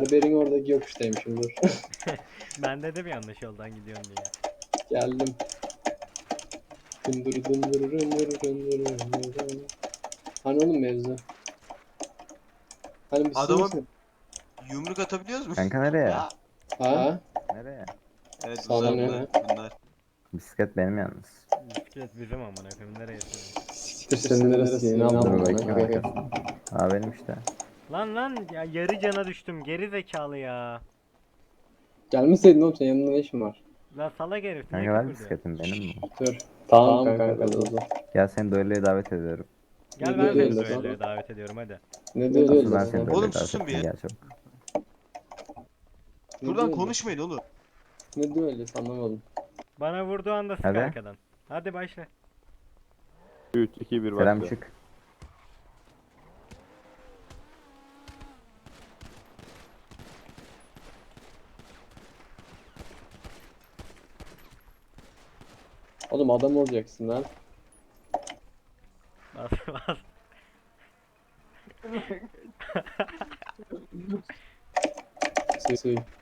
Berber'in oradaki yokuştaymışım, dur. Ben dedim yanlış yoldan gidiyorsun diye. Geldim. Dındır dındır dındır dındır dındır. Hani oğlum mevzu? Hani bir Adama misin? yumruk atabiliyoruz mu? Kanka nereye? Ya. Ha? Nereye? Evet Sana bunlar ne? bunlar bunlar. Bisiklet benim yalnız. Bisiklet bizim amına koyayım, nereye senin? Siktir senin neresi? Ne Dur yapalım bakayım bana? arkasına. Aa benim işte. Lan ya, yarı cana düştüm, geri zekalı ya. Gelmeseydin oğlum, senin yanında ne işin var? Lan salak herif, niye Kanka ver küfür diyor? bisikletim benim bu. Dur. Tamam kanka dur. Gel seni duelloya davet ediyorum. Gel Ne ben seni diyorsun? düelloya davet ediyorum hadi. Ne Asıl diyorsun ben sen? seni Oğlum duelloya davet susun bir ettim ya. gel çabuk. Ne Şuradan diyorsun? konuşmayın oğlum. Ne diyor öyle, anlamadım. Bana vurduğu anda sık Hadi. arkadan. Hadi başla. 3, 2, 1 Kerem başla. çık. Oğlum adam olacaksın lan. Bas bas. Suy.